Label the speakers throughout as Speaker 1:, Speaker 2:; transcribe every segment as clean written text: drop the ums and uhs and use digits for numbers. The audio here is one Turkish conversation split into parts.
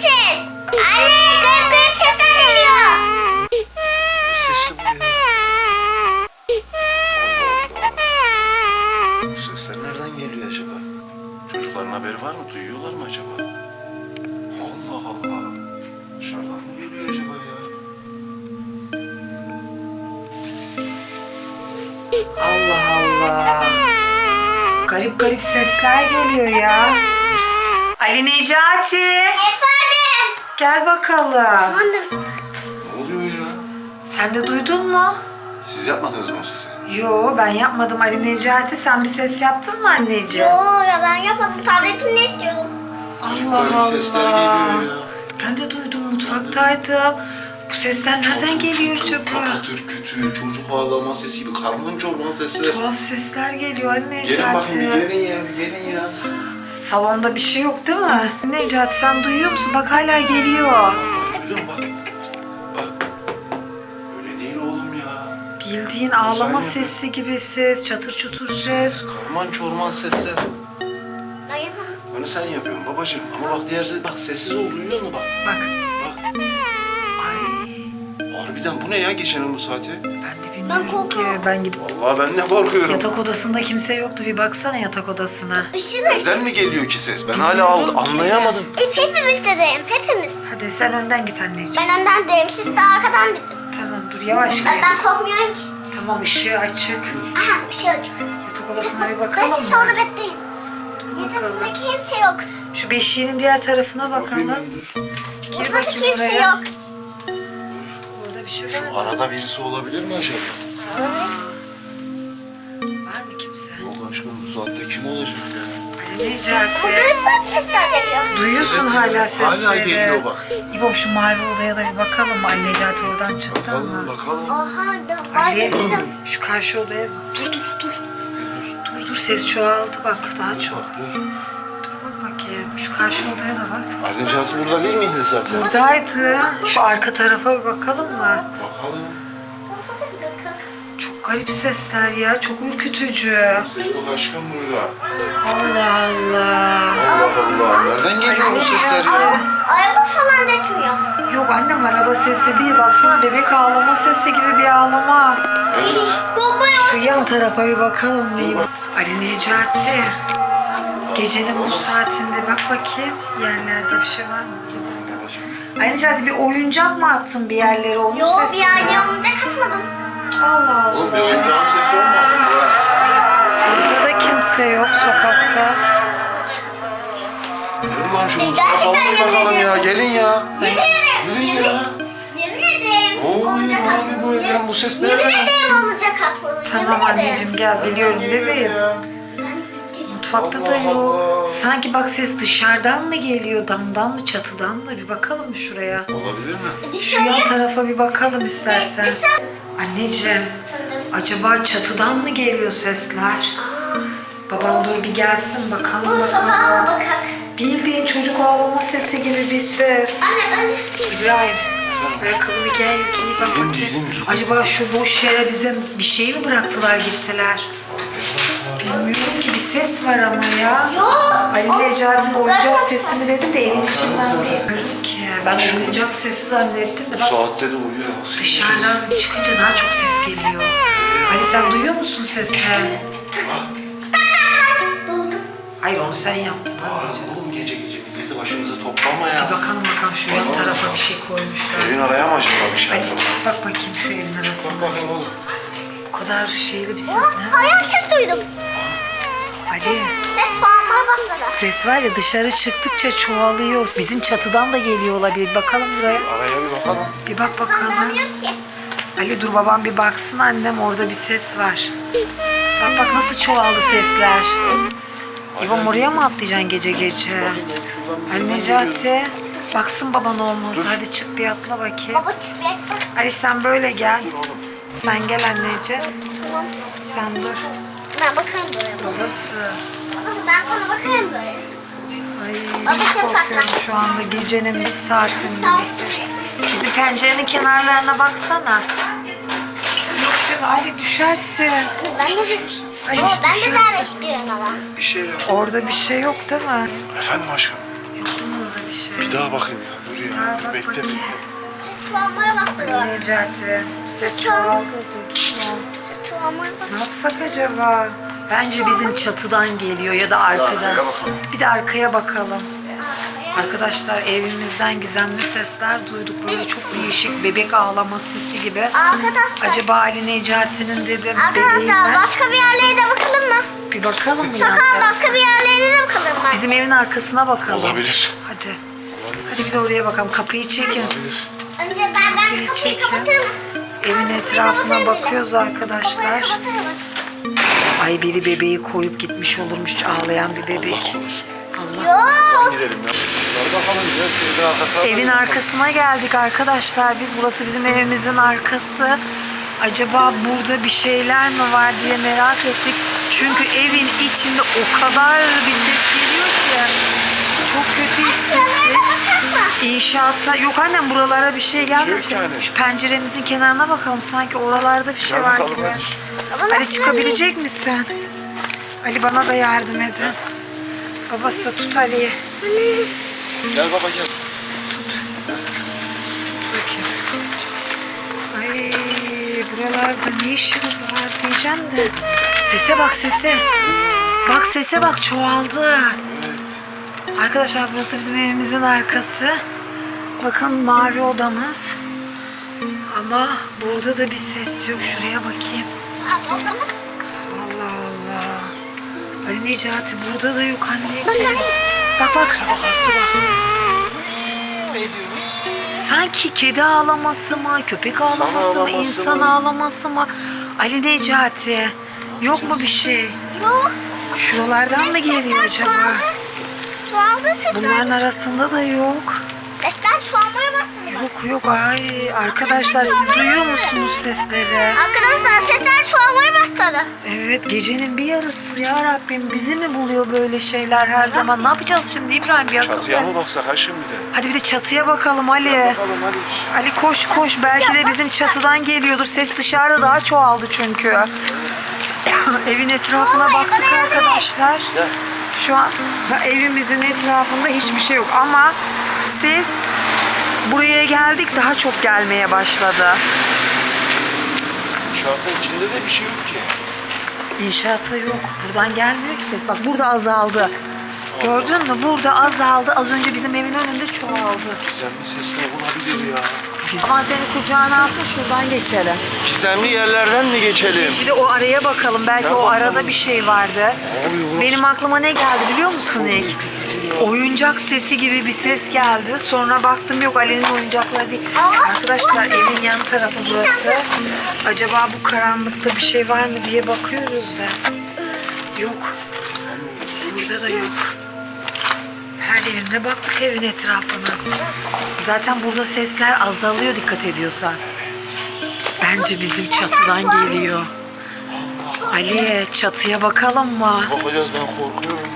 Speaker 1: misin? Anne, garip garip sesler geliyor.
Speaker 2: Sesi bu ya. Allah Allah. Bu sesler nereden geliyor acaba? Çocukların haberi var mı? Duyuyorlar mı acaba? Allah Allah. Dışarıdan mı geliyor acaba ya?
Speaker 3: Allah Allah. Garip garip sesler geliyor ya. Ali Necati.
Speaker 1: Efendim.
Speaker 3: Gel bakalım.
Speaker 1: Efendim.
Speaker 2: Ne oluyor ya?
Speaker 3: Sen de duydun mu?
Speaker 2: Siz yapmadınız mı o sesi?
Speaker 3: Yo, ben yapmadım Ali Necati. Sen bir ses yaptın mı anneciğim?
Speaker 1: Yo ya ben yapmadım. Tabletini istiyordum.
Speaker 3: Allah
Speaker 2: Garip
Speaker 3: Allah.
Speaker 2: sesler geliyor ya.
Speaker 3: Ben de duydum, mutfaktaydım. Bu sesler nereden geliyor acaba?
Speaker 2: Patır kütür, çocuk ağlama sesi gibi, karnın çorman sesi.
Speaker 3: Tuhaf sesler geliyor Ali Necati.
Speaker 2: Gelin bakın, bir gelin ya, bir gelin ya.
Speaker 3: Salonda bir şey yok değil mi? Necati sen duyuyor musun? Bak hala geliyor.
Speaker 2: Duydun mu? Bak. Bak. Öyle değil oğlum ya.
Speaker 3: Bildiğin ağlama
Speaker 2: Güzel ya.
Speaker 3: sesi gibi ses, çatır çutur ses.
Speaker 2: Karman çorman sesler.
Speaker 1: Ben yapmadım.
Speaker 2: Onu sen yapıyorsun babacığım. Ama bak diğer ses, bak sessiz ol, duyuyor musun bak?
Speaker 3: Bak.
Speaker 2: Bak.
Speaker 3: Ay,
Speaker 2: Harbiden bu ne ya geçenin bu saati?
Speaker 3: ben de
Speaker 1: Ben
Speaker 3: bilmiyorum ki.
Speaker 1: korkuyorum.
Speaker 3: Ben gidip
Speaker 2: Vallahi ben ne korkuyorum.
Speaker 3: yatak odasında kimse yoktu. Bir baksana yatak odasına.
Speaker 1: Işığı da
Speaker 2: Nereden mi geliyor ki ses? Ben hala
Speaker 3: Bilmiyorum ki.
Speaker 2: anlayamadım.
Speaker 1: hepimiz dedeyim. Hepimiz.
Speaker 3: Hadi sen önden git anneciğim.
Speaker 1: Ben önden dedim. Siz de arkadan dedin.
Speaker 3: Tamam dur yavaş gel.
Speaker 1: Ben korkmuyorum ki.
Speaker 3: Tamam ışığı açık.
Speaker 1: Aha ışığı açık.
Speaker 3: Yatak odasına bir
Speaker 1: Ben
Speaker 3: bakalım
Speaker 1: siz solda
Speaker 3: mı?
Speaker 1: bekleyin. Yatağında kimse yok.
Speaker 3: Şu beşiğinin diğer tarafına bakalım.
Speaker 2: Dur.
Speaker 3: Gir
Speaker 1: Mutfakta
Speaker 3: bakayım
Speaker 1: kimse
Speaker 3: oraya.
Speaker 1: yok.
Speaker 3: Orada bir şey var
Speaker 2: Şu
Speaker 3: mı?
Speaker 2: arada birisi olabilir mi acaba?
Speaker 3: Var mı kimse?
Speaker 2: Yok aşkım bu saatte kim olacak ya?
Speaker 3: Ali
Speaker 1: Bu
Speaker 3: Necati.
Speaker 1: garip garip sesler geliyor.
Speaker 3: Duyuyorsun hala sesleri.
Speaker 2: Hala geliyor bak.
Speaker 3: İbom şu mavi odaya da bir bakalım mı? Ali Necati oradan çıktı
Speaker 2: Bakalım
Speaker 3: ama.
Speaker 2: bakalım.
Speaker 1: Oha da
Speaker 3: Ali
Speaker 1: var.
Speaker 3: şu karşı odaya bak. Dur dur dur. Dur ses çoğaldı bak daha çok.
Speaker 2: Bak dur.
Speaker 3: Dur bak bakayım. Şu karşı odaya da bak.
Speaker 2: Ali Necati burada değil miydi zaten?
Speaker 3: Buradaydı. Şu arka tarafa bir bakalım mı?
Speaker 2: Bakalım.
Speaker 3: Çok garip sesler ya. Çok ürkütücü.
Speaker 2: Ses yok aşkım burada.
Speaker 3: Allah Allah.
Speaker 2: Allah Allah. Nereden geliyor bu sesler ya?
Speaker 1: Araba falan detmiyor.
Speaker 3: Yok annem araba sesi değil. Baksana bebek ağlama sesi gibi bir ağlama.
Speaker 2: Evet.
Speaker 3: Şu yan tarafa bir bakalım mıyım? Ali Necati. Gecenin bu saatinde bak bakayım. Yerlerde bir şey var mı? Ali Necati bir oyuncak mı attın bir yerlere onun
Speaker 1: Yo
Speaker 3: sesi
Speaker 1: bir
Speaker 3: mi?
Speaker 1: yerden olunca katmadım.
Speaker 3: Allah
Speaker 2: Oğlum bir
Speaker 3: Allah.
Speaker 2: oyuncağın sesi olmasın ya.
Speaker 3: Burada da kimse yok sokakta.
Speaker 2: Gelin lan şu
Speaker 1: Gerçekten
Speaker 2: mutfağa falan bir
Speaker 1: yemin
Speaker 2: bakalım ya.
Speaker 1: ediyorum.
Speaker 2: Gelin ya.
Speaker 1: Yemin ederim.
Speaker 2: Gelin ya.
Speaker 1: Yemin ederim.
Speaker 2: Ne oluyor
Speaker 1: olacak
Speaker 2: abi
Speaker 1: atmadım.
Speaker 2: bu evden? Bu ses
Speaker 1: Yemin
Speaker 2: nereden?
Speaker 1: ederim olacak atmadım.
Speaker 3: Tamam
Speaker 1: Yemin ederim.
Speaker 3: anneciğim gel biliyorum bebeğim. Mutfakta da
Speaker 2: Allah
Speaker 3: yok.
Speaker 2: Allah.
Speaker 3: Sanki bak ses dışarıdan mı geliyor, damdan mı, çatıdan mı? Bir bakalım mı şuraya?
Speaker 2: Olabilir mi?
Speaker 3: Şu yan tarafa bir bakalım istersen. Anneciğim, acaba çatıdan mı geliyor sesler? Baban dur bir gelsin bakalım
Speaker 1: Bu sokağa
Speaker 3: bakalım.
Speaker 1: bakak.
Speaker 3: Bildiğin çocuk ağlama sesi gibi bir ses.
Speaker 1: Anne önce.
Speaker 3: İbrahim, ayakkabını giy bak
Speaker 2: Giydim,
Speaker 3: bakayım.
Speaker 2: giydim.
Speaker 3: Acaba şu boş yere bize bir şey mi bıraktılar gittiler? Bilmiyorum ki bir ses var ama ya.
Speaker 1: Yok.
Speaker 3: Ali Necati'nin oyuncak sesi mi dedim de evin içinden değil. Bilmiyorum ki. Ben oyuncak sesi zannettim de
Speaker 2: Bu
Speaker 3: bak
Speaker 2: saatte de uyuyor. Nasıl
Speaker 3: dışarıdan çıkınca daha çok ses geliyor. Ali sen duyuyor musun sesi?
Speaker 1: Doğdu.
Speaker 3: Hayır onu sen yaptın.
Speaker 2: Bağırma oğlum gece gece milleti başımıza toplama ya.
Speaker 3: Bir bakalım şu yan tarafa bir şey koymuşlar.
Speaker 2: Evin araya mı acaba bir şey?
Speaker 3: Ali çık bak bakayım şu evin
Speaker 2: Bak
Speaker 3: arasına.
Speaker 2: bakayım oğlum.
Speaker 3: Bu kadar şeyli bir ses ne?
Speaker 1: Hayal ses duydum.
Speaker 3: Ali
Speaker 1: Ses bağırmaya başladı.
Speaker 3: ses var ya dışarı çıktıkça çoğalıyor. Bizim çatıdan da geliyor olabilir. Bir bakalım buraya.
Speaker 2: Araya bir bakalım.
Speaker 3: Bir bak bakalım.
Speaker 1: Anlamıyor ki.
Speaker 3: Ali dur babam bir baksın annem orada bir ses var. Bak bak nasıl çoğaldı sesler. İbam oraya mı atlayacaksın gece gece? Ali Necati baksın baban olmaz. Hadi çık bir atla bakayım.
Speaker 1: Baba çık bekle.
Speaker 3: Ali sen böyle gel. Sen gel anneciğim.
Speaker 1: Tamam.
Speaker 3: Sen dur.
Speaker 1: Ben bakarım böyle.
Speaker 3: Babası.
Speaker 1: Babası ben sana bakarım böyle.
Speaker 3: Ay
Speaker 1: Baba,
Speaker 3: çok
Speaker 1: çok
Speaker 3: korkuyorum
Speaker 1: tatlı.
Speaker 3: şu anda gecenin bir saatinde bir ses. Bizim pencerenin kenarlarına baksana. Yok canım Ali düşersin.
Speaker 1: Ben de
Speaker 3: Ay
Speaker 1: Baba,
Speaker 3: hiç
Speaker 1: ben de
Speaker 3: düşersin.
Speaker 1: davet istiyorum ama.
Speaker 2: Bir şey yok.
Speaker 3: Orada bir şey yok değil mi?
Speaker 2: Efendim aşkım.
Speaker 3: Yok değil mi orada bir şey?
Speaker 2: Bir daha bakayım ya. Dur
Speaker 3: Daha
Speaker 2: ya.
Speaker 3: bak
Speaker 2: Bekle
Speaker 3: bakayım.
Speaker 2: bekle.
Speaker 1: Ses çoğalmaya başladı.
Speaker 3: Ali Necati, ses çoğaldı duydun mu?
Speaker 1: Ses çoğalmaya başladı.
Speaker 3: Ne yapsak acaba? Bence bizim çatıdan geliyor ya da arkadan.
Speaker 2: Arkaya bakalım.
Speaker 3: Bir de arkaya bakalım. Arkadaşlar evimizden gizemli sesler duyduk. Böyle çok değişik bebek ağlama sesi gibi.
Speaker 1: Arkadaşlar.
Speaker 3: Acaba Ali Necati'nin dedim
Speaker 1: Arkadaşlar
Speaker 3: bebeği mi?
Speaker 1: başka bir yerlere de bakalım mı?
Speaker 3: Bir bakalım mı? yan
Speaker 1: Sokağın
Speaker 3: tarafa?
Speaker 1: başka bir yerlerine de bakalım mı?
Speaker 3: Bizim evin arkasına bakalım.
Speaker 2: Olabilir.
Speaker 3: Hadi. Hadi bir de oraya bakalım. Kapıyı çekin.
Speaker 2: Olabilir.
Speaker 1: Önce ben
Speaker 3: Kapıyı
Speaker 1: kapıyı
Speaker 3: çekin.
Speaker 1: kapatırım.
Speaker 3: Evin etrafına bakıyoruz arkadaşlar.
Speaker 1: Kapıyı kapatırım.
Speaker 3: Ay biri bebeği koyup gitmiş olurmuş ağlayan bir bebek.
Speaker 2: Allah korusun.
Speaker 3: Allah.
Speaker 1: Yok.
Speaker 2: Gidelim ya. Dur bakalım ya. Evin arkasına
Speaker 3: Evin
Speaker 2: bakalım.
Speaker 3: arkasına geldik arkadaşlar. Biz burası bizim evimizin arkası. Acaba burada bir şeyler mi var diye merak ettik. Çünkü evin içinde o kadar bir ses geliyor ki. Çok kötü hissettik. İnşaatta yok annem buralara bir şey gelmemiş.
Speaker 2: Yok yani.
Speaker 3: Şu penceremizin kenarına bakalım sanki oralarda bir şey
Speaker 2: Gel
Speaker 3: var
Speaker 2: bakalım
Speaker 3: gibi.
Speaker 2: hadi.
Speaker 3: Ali çıkabilecek misin? Ali bana da yardım edin. Babası tut Ali'yi.
Speaker 2: Gel baba gel.
Speaker 3: Tut bakayım. Ay buralarda ne işimiz var diyeceğim de. Sese bak sese. Bak sese bak çoğaldı. Arkadaşlar burası bizim evimizin arkası. Bakın mavi odamız. Ama burada da bir ses yok. Şuraya bakayım.
Speaker 1: Odamız.
Speaker 3: Allah Allah. Ali Necati burada da yok anneciğim. Bak bak.
Speaker 2: Bak arttı bak. Ne diyor?
Speaker 3: Sanki kedi ağlaması mı, köpek ağlaması mı,
Speaker 2: ağlaması
Speaker 3: insan
Speaker 2: mı?
Speaker 3: ağlaması mı? Ali Necati, yok mu bir şey?
Speaker 1: Yok.
Speaker 3: Şuralardan mı geliyor acaba?
Speaker 1: Çoğaldı sesler.
Speaker 3: Bunların arasında da yok.
Speaker 1: Sesler çoğalmaya başladı.
Speaker 3: Yok ay arkadaşlar siz duyuyor musunuz sesleri?
Speaker 1: Arkadaşlar sesler çoğalmaya başladı.
Speaker 3: Evet gecenin bir yarısı ya Rabbim bizi mi buluyor böyle şeyler her zaman? Ne yapacağız şimdi İbrahim bir akıl
Speaker 2: Çatıya
Speaker 3: ver.
Speaker 2: mı baksak ha şimdi de?
Speaker 3: Hadi bir de çatıya bakalım Ali.
Speaker 2: Bakalım hadi.
Speaker 3: Ali koş koş belki de bizim çatıdan geliyordur. Ses dışarıda daha çoğaldı çünkü. Evin etrafına baktık arkadaşlar.
Speaker 2: Gel.
Speaker 3: Şu an evimizin etrafında hiçbir şey yok ama ses buraya geldik daha çok gelmeye başladı.
Speaker 2: Şartın içinde de bir şey yok ki.
Speaker 3: İnşaatta yok. Buradan gelmiyor ki ses. Bak burada azaldı. Gördün mü? Burada azaldı. Az önce bizim evin önünde çoğaldı.
Speaker 2: Gizemli ses ne olabilir ya?
Speaker 3: Aman seni kucağına alsın şuradan geçelim.
Speaker 2: Gizemli yerlerden mi geçelim?
Speaker 3: Bir de o araya bakalım. Belki
Speaker 2: Gel
Speaker 3: o
Speaker 2: bakalım.
Speaker 3: arada bir şey vardı.
Speaker 2: Abi,
Speaker 3: Benim aklıma ne geldi biliyor musun ilk? Oyuncak sesi gibi bir ses geldi. Sonra baktım yok Ali'nin oyuncakları değil. Arkadaşlar evin yan tarafı burası. Acaba bu karanlıkta bir şey var mı diye bakıyoruz da. Yok. Burada da yok. Her yerine baktık evin etrafına. Zaten burada sesler azalıyor dikkat ediyorsan. Bence bizim çatıdan geliyor. Ali çatıya bakalım mı?
Speaker 2: Bakacağız ben korkuyorum.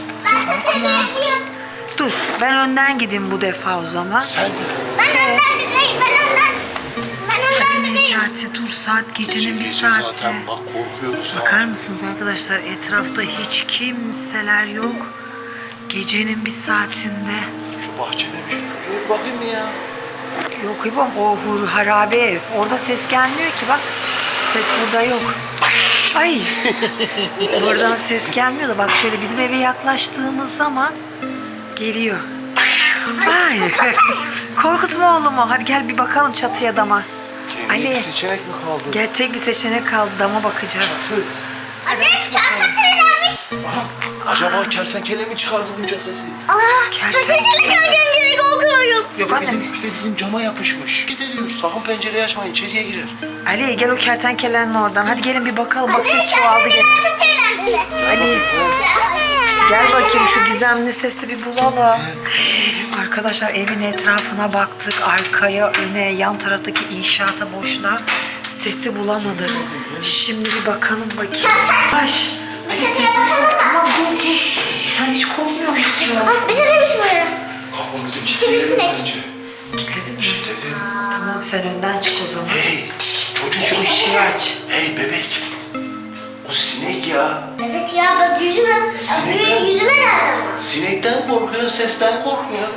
Speaker 3: Dur ben önden gideyim bu defa o zaman.
Speaker 2: Sen
Speaker 1: Ben önden dinleyim. Ben önden. Ben önden
Speaker 3: Ali
Speaker 1: dinleyim.
Speaker 3: Necati dur saat gecenin bir
Speaker 2: Gece
Speaker 3: saati.
Speaker 2: zaten bak korkuyoruz ha.
Speaker 3: Bakar mısınız arkadaşlar etrafta hiç kimseler yok. Gecenin bir saatinde.
Speaker 2: Şu bahçede bir şey. Dur bakayım mı ya?
Speaker 3: Yok İbom o harabe ev. Orada ses gelmiyor ki bak. Ses burada yok. Ay. Buradan ses gelmiyor da bak şöyle bizim eve yaklaştığımız zaman geliyor. Ay. Korkutma oğlumu. Hadi gel bir bakalım çatıya dama. Ali.
Speaker 2: Bir seçenek mi kaldı?
Speaker 3: Gel tek bir seçenek kaldı dama bakacağız.
Speaker 2: Çatı.
Speaker 1: Anne kertenkelelermiş.
Speaker 2: Acaba kertenkele mi çıkardı bunca sesi?
Speaker 1: Aa,
Speaker 3: Kertenkele.
Speaker 1: kertenkele korkuyorum.
Speaker 3: Yok anne.
Speaker 2: Bizim cama yapışmış. Git ediyor. Sakın pencereyi açmayın. İçeriye girer.
Speaker 3: Ali gel o kertenkelenin oradan. Hadi gelin bir bakalım. Bak ses çoğaldı gel.
Speaker 1: Çok eğlenceli.
Speaker 3: Ali gel bakayım şu gizemli sesi bir bulalım. Arkadaşlar evin etrafına baktık. Arkaya, öne, yan taraftaki inşaata boşluğa sesi bulamadık. Şimdi bir bakalım bakayım. Baş. Ali sessiz ol. Tamam dur. Sen hiç korkmuyor musun?
Speaker 1: Bak bir şey demiş böyle.
Speaker 2: Kapımızı
Speaker 1: Sivrisinek.
Speaker 3: Kilitledin mi?
Speaker 2: Kilitledin.
Speaker 3: Tamam sen önden çık o zaman.
Speaker 2: Hey çocuk.
Speaker 3: Şu ışığı aç.
Speaker 2: Hey bebek. O sinek ya.
Speaker 1: Evet ya bak yüzüme.
Speaker 2: Sinekten-
Speaker 1: Yüzüme nerede ama?
Speaker 2: Sinekten korkuyor, sesten korkmuyor.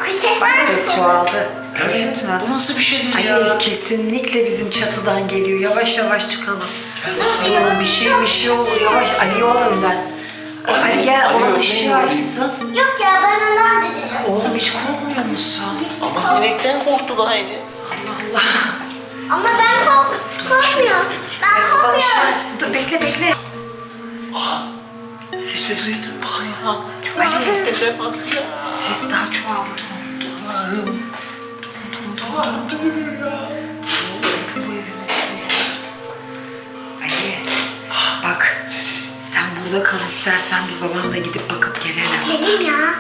Speaker 1: Ses
Speaker 3: Bak
Speaker 1: var
Speaker 3: ses
Speaker 1: mı?
Speaker 3: çoğaldı.
Speaker 2: Evet.
Speaker 3: Gördün mü?
Speaker 2: Bu nasıl bir şeydir
Speaker 3: Ali
Speaker 2: ya?
Speaker 3: kesinlikle bizim çatıdan geliyor. Yavaş yavaş çıkalım. Bir şey olur. Yavaş Ali ol önden. Ali gel
Speaker 2: Ali
Speaker 3: ona
Speaker 2: önden
Speaker 3: ışığı
Speaker 2: yürüyeyim.
Speaker 3: açsın.
Speaker 1: Yok ya ben ondan dedim.
Speaker 3: Oğlum hiç korkmuyor musun?
Speaker 2: Ama sinekten korktu da aynı.
Speaker 3: Allah Allah.
Speaker 1: Ama ben korkmuyorum. Ben
Speaker 3: Bana
Speaker 1: korkmuyorum.
Speaker 3: ışığı açsın. Dur bekle.
Speaker 2: Aha.
Speaker 3: Ses duydun mu?
Speaker 2: Ya.
Speaker 3: Ali.
Speaker 2: Seslere bak ya.
Speaker 3: Ses daha çoğaldı. Durun.
Speaker 2: Allah'ım.
Speaker 3: Durun. Burası bu evimiz değil. Ali. Bak.
Speaker 2: Sessiz.
Speaker 3: Sen burada kal istersen biz babanla gidip bakıp gelelim.
Speaker 1: Geleyim ya.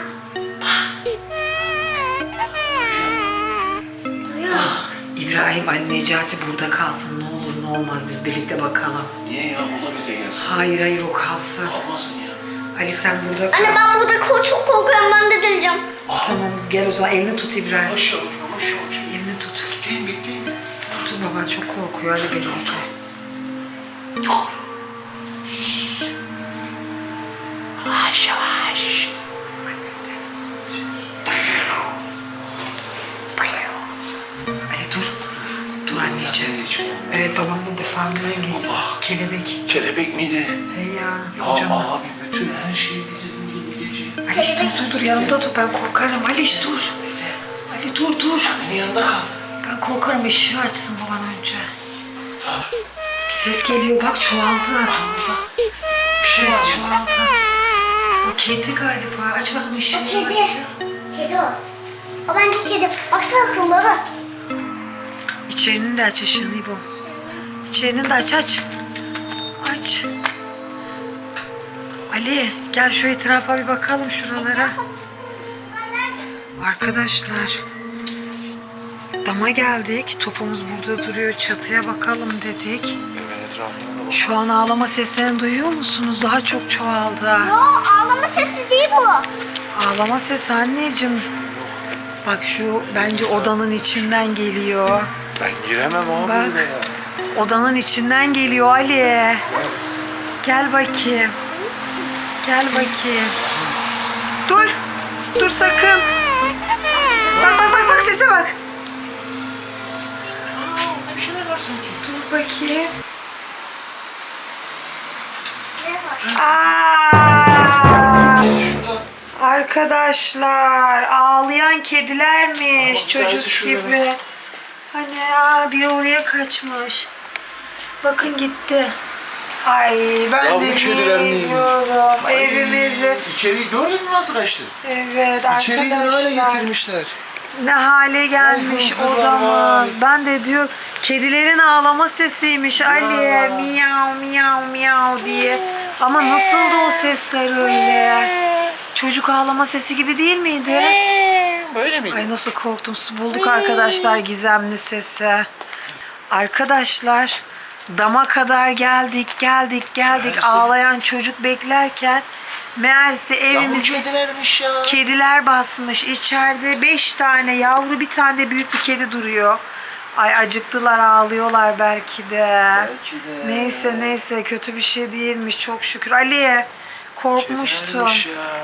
Speaker 1: Duyuyor.
Speaker 3: İbrahim, Ali, Necati burada kalsın. Ne olur ne olmaz biz birlikte bakalım.
Speaker 2: Niye ya? O da bize gelsin.
Speaker 3: Hayır o kalsın.
Speaker 2: Kalmasın ya.
Speaker 3: Ali sen burada kal.
Speaker 1: Anne ben burada çok korkuyorum ben de deneyeceğim.
Speaker 3: Tamam gel o zaman elini tut İbrahim.
Speaker 2: Yavaş yavaş.
Speaker 3: Elini tut.
Speaker 2: Bekleyin bekleyin.
Speaker 3: Dur baban çok korkuyor hadi birlikte.
Speaker 2: Yavaş yavaş.
Speaker 3: Ali dur. Dur anneciğim. Evet babam bu defa geçti.
Speaker 2: Allah.
Speaker 3: Kelebek.
Speaker 2: Kelebek miydi?
Speaker 3: Hey ya.
Speaker 2: Ya
Speaker 3: Kocaman.
Speaker 2: abi bütün her şey bizi buldu bu gece.
Speaker 3: Ali dur yanımda dur ben korkarım. Ali dur. Ali dur.
Speaker 2: Annenin yanında kal.
Speaker 3: Ben korkarım ışığı açsın baban önce. Bir ses geliyor bak çoğaldı. Bir ses çoğaldı. O kedi galiba. Aç bakayım
Speaker 1: O
Speaker 3: ışığını
Speaker 1: kedi.
Speaker 3: aç.
Speaker 1: Kedi o. O bence kedi. Baksana kılları.
Speaker 3: İçerinin de aç ışığını İbo. İçerinin de aç. Aç. Ali gel şu etrafa bir bakalım şuralara. Arkadaşlar. Dama geldik. Topumuz burada duruyor. Çatıya bakalım dedik.
Speaker 2: Evin etrafına bak.
Speaker 3: Şu an ağlama seslerini duyuyor musunuz? Daha çok çoğaldı.
Speaker 1: Yo ağlama sesi değil bu.
Speaker 3: Ağlama sesi anneciğim. Bak şu bence odanın içinden geliyor.
Speaker 2: Ben giremem abi
Speaker 3: Bak.
Speaker 2: buraya.
Speaker 3: Odanın içinden geliyor Ali. Gel bakayım. Dur sakın. Bak sese bak.
Speaker 2: Orada bir şeyler var sanki.
Speaker 3: Dur bakayım.
Speaker 1: Şuraya bak.
Speaker 3: Aa!
Speaker 2: Şurada.
Speaker 3: Arkadaşlar ağlayan kedilermiş
Speaker 2: Ama bir tanesi
Speaker 3: çocuk
Speaker 2: şurada.
Speaker 3: gibi. Hani biri oraya kaçmış. Bakın gitti. Ay ben
Speaker 2: Ya bu
Speaker 3: de
Speaker 2: kediler
Speaker 3: ne
Speaker 2: neymiş?
Speaker 3: diyorum evimizi.
Speaker 2: İçeriği gördün mü nasıl kaçtı?
Speaker 3: Evet
Speaker 2: İçeriği de öyle
Speaker 3: arkadaşlar.
Speaker 2: getirmişler.
Speaker 3: Ne hale gelmiş
Speaker 2: hırsızlar
Speaker 3: odamız.
Speaker 2: var.
Speaker 3: Ben de diyor kedilerin ağlama sesiymiş Ali. Miyav diye. Ama nasıldı o sesler öyle? Çocuk ağlama sesi gibi değil miydi?
Speaker 2: Böyle miydi?
Speaker 3: Ay nasıl korktum. Bulduk arkadaşlar gizemli sesi. Arkadaşlar dama kadar geldik.
Speaker 2: Meğerse-
Speaker 3: Ağlayan çocuk beklerken meğerse
Speaker 2: Ya bu
Speaker 3: evimizi
Speaker 2: kedilermiş ya.
Speaker 3: kediler basmış. İçeride 5 tane yavru bir tane de büyük bir kedi duruyor. Ay acıktılar ağlıyorlar belki de.
Speaker 2: Belki de.
Speaker 3: Neyse kötü bir şey değilmiş çok şükür. Ali korkmuştum.
Speaker 2: Kedilermiş ya.